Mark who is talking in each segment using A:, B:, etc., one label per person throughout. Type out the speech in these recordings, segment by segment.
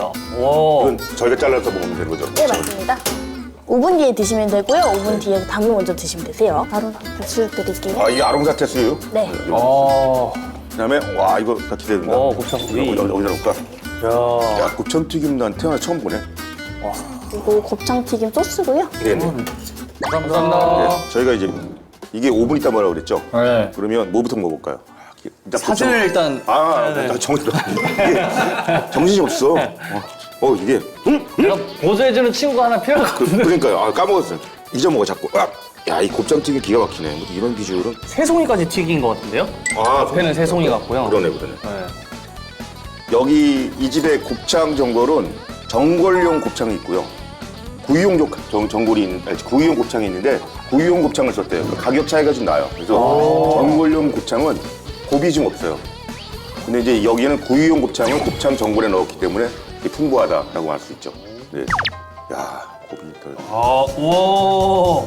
A: 오.
B: 이건 저희가 잘라서 먹으면 되는 거죠?
C: 네, 맞습니다. 5분 뒤에 드시면 되고요. 5분 뒤에 닭을 먼저 드시면 되세요. 바로 수육 드릴게요.
B: 아, 이게 아롱사태 수육?
C: 네.
B: 그다음에 와, 이거 나 기대된다.
A: 곱창구이.
B: 어디다 놓을까?
A: 야.
B: 야, 곱창튀김 난 태어나 처음 보네.
C: 그리고 곱창튀김 소스고요.
B: 네네.
A: 감사합니다.
B: 네, 저희가 이제 이게 5분 있다 뭐라고 그랬죠?
A: 네.
B: 그러면 뭐부터 먹어볼까요? 일단
A: 사진을 일단.
B: 나 이게 정신이 없어. 이게
A: 내가 보조해주는 친구가 하나 필요할 것 같은데.
B: 그러니까요. 아, 까먹었어요. 잊어먹어 자꾸. 야, 이 곱창튀김 기가 막히네. 뭐 이런 비주얼은.
A: 새송이까지 튀긴 것 같은데요?
B: 아,
A: 앞에는 새송이 같고요.
B: 그러네.
A: 네.
B: 여기 이 집의 곱창 전골은 전골용 곱창이 있고요. 구이용 구이용 곱창이 있는데 구이용 곱창을 썼대요. 그 가격 차이가 좀 나요. 그래서 전골용 곱창은 곱이 좀 없어요. 근데 이제 여기는 구이용 곱창을 곱창 전골에 넣었기 때문에 풍부하다라고 할 수 있죠. 네. 야, 곱이 더.
A: 우와.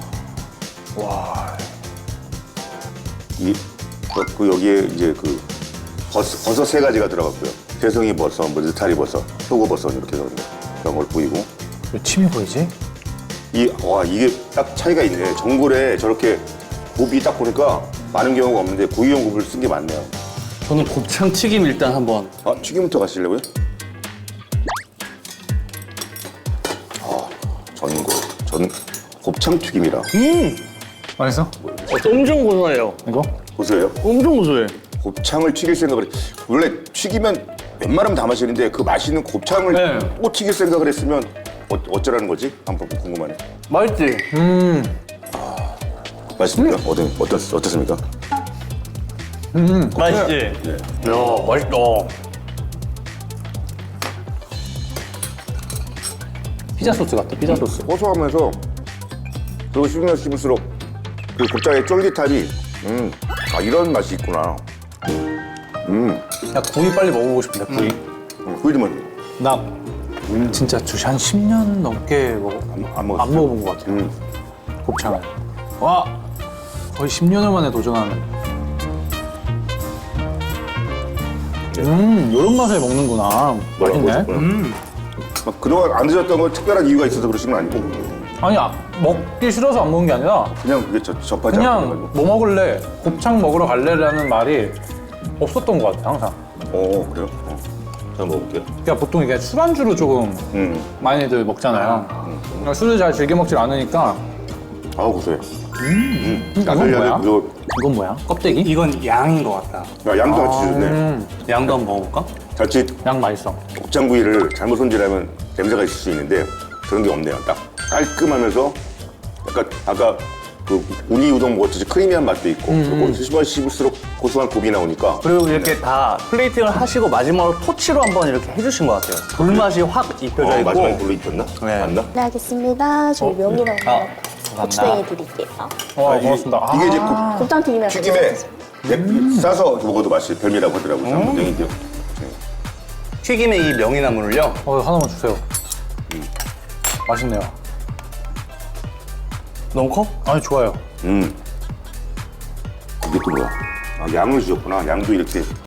B: 여기에 이제 그 버섯 3가지가 들어갔고요. 새송이 버섯, 뭐 느타리 버섯, 표고버섯 이렇게 들어갔는데 그런 걸 보이고.
D: 왜 침이 보이지?
B: 이게 딱 차이가 있네. 전골에 저렇게 곱이 딱 보니까 많은 경우가 없는데 구이용 곱을 쓴 게 많네요.
A: 저는 곱창 튀김 일단 한번.
B: 튀김부터 가시려고요? 곱창 튀김이라.
D: 맛있어?
A: 엄청 고소해요.
D: 이거?
B: 보세요.
A: 엄청 고소해.
B: 곱창을 튀길 생각을 원래 튀기면 웬만하면 다 마시는데 그 맛있는 곱창을
A: 네.
B: 또 튀길 생각을 했으면 어쩌라는 거지? 한번 궁금하네.
A: 맛있지?
B: 맛있습니까? 어떻습니까?
A: 맛있지?
B: 네.
A: 야, 맛있다. 피자 소스 같다, 피자 소스.
B: 고소하면서 그리고 씹으면 씹을수록 그 곱창의 쫄깃함이 이런 맛이 있구나.
D: 야, 구이 빨리 먹어보고 싶은데, 구이.
B: 그 이름은
D: 나 진짜 한 10년 넘게
B: 안 먹었어요.
D: 안 먹어본 것 같아요. 곱창을. 와! 거의 10년을 만에 도전하는. 이런 맛에 먹는구나. 맛있네.
B: 막 그동안 안 드셨던 건 특별한 이유가 있어서 그러신 건 아니고
D: 아니, 먹기 싫어서 안 먹은 게 아니라
B: 그냥 그게 접하지
D: 그냥
B: 않고.
D: 뭐 먹을래? 곱창 먹으러 갈래라는 말이 없었던 것 같아, 항상.
B: 그래요? 잘 먹을게요.
D: 그러니까 보통 이게 술안주로 조금 많이들 먹잖아요. 그러니까 술을 잘 즐겨 먹질 않으니까.
B: 고소해.
D: 이건 뭐야?
B: 이거
D: 이건 뭐야? 껍데기?
A: 이건 양인 것 같다.
B: 양도 같이 주네.
A: 양도 한번 먹어볼까?
B: 자칫
D: 양 맛있어.
B: 곱창구이를 잘못 손질하면 냄새가 있을 수 있는데 그런 게 없네요. 딱 깔끔하면서 약간 아까 그 우니 우동 먹었듯이 크리미한 맛도 있고 그리고 씹을수록 고소한 곱이 나오니까
A: 그리고 이렇게 다 플레이팅을 하시고 마지막으로 토치로 한번 이렇게 해주신 것 같아요. 불맛이 확 입혀져 있고.
B: 마지막에 불로 입혔나?
A: 네.
B: 맞나?
C: 네, 알겠습니다. 저희 명이랑 고추냉이 드릴게요.
D: 고맙습니다.
B: 이게 이제
C: 곱창튀김이랑
B: 튀김에 싸서 먹어도 맛이 별미라고 하더라고요. 장모땡이죠.
A: 튀김의 이 명이나물을요.
D: 하나만 주세요. 맛있네요.
A: 너무 커?
D: 아니, 좋아요.
B: 이게 또 뭐야? 양을 주셨구나. 양도 이렇게